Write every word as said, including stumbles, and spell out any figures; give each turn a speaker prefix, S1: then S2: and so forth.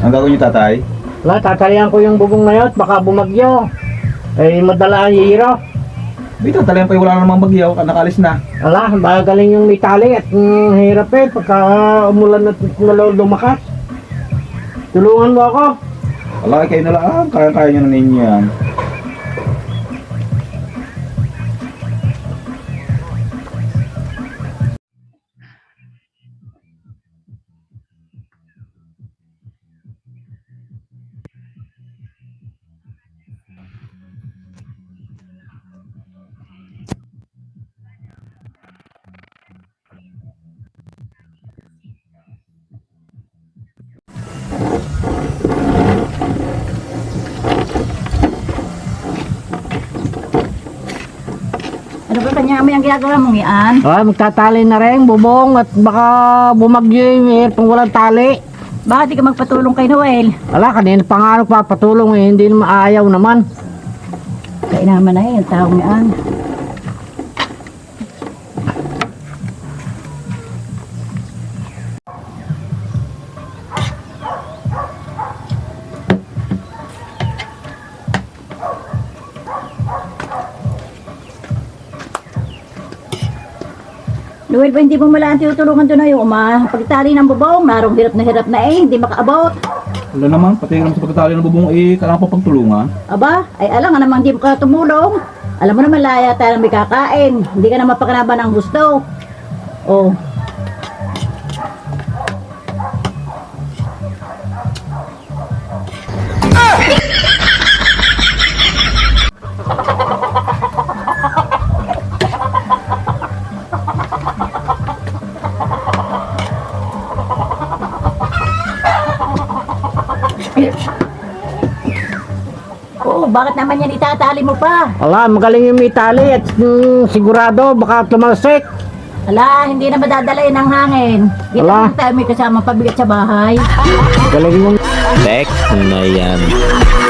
S1: Ang gagawin niyo, tatay?
S2: Wala, tatalian ko yung bubong na yun, baka bumagyo. Eh, madala ang hihiro.
S1: Dito, talagang pa wala namang bagyo, nakalis na.
S2: Ala, magaling yung may tali at mm, hirap eh, pagka umulan at lumakas. Tulungan mo ako.
S1: Wala, kayo na lang. Kaya-kaya nyo na ninyo yan.
S3: Ano ba kanya mo yung ginagawa mong yan?
S2: Ah, magtatali na rin, bubong at baka bumagyo yung hirap kung walang tali.
S3: Bakit di ka magpatulong kay Noel?
S2: Ala, kanina pa nga nagpapatulong eh, hindi naman ayaw naman.
S3: Kaya naman na yung taong yan. Noel, ba hindi mo malaan tinutulungan doon na yung uma? Pagtali ng bubong, marong hirap na hirap na eh, hindi makaabot.
S1: Wala naman, pati naman sa pagkatali ng bubong, eh, kailangan pa pagtulungan.
S3: Aba, ay alam nga namang hindi mo ka tumulong. Alam mo naman laya tayo na may kakain. Hindi ka na mapakanaban ng gusto. Oh. Oo, bakit naman yan itatali mo pa?
S2: Ala, magaling yung may tali at mm, sigurado baka tumalsik.
S3: Ala, hindi na madadala yun ng hangin. Dito
S2: Ala.
S3: lang tayo may kasama pabigat sa bahay.
S2: Galing yung
S4: Tek na yan.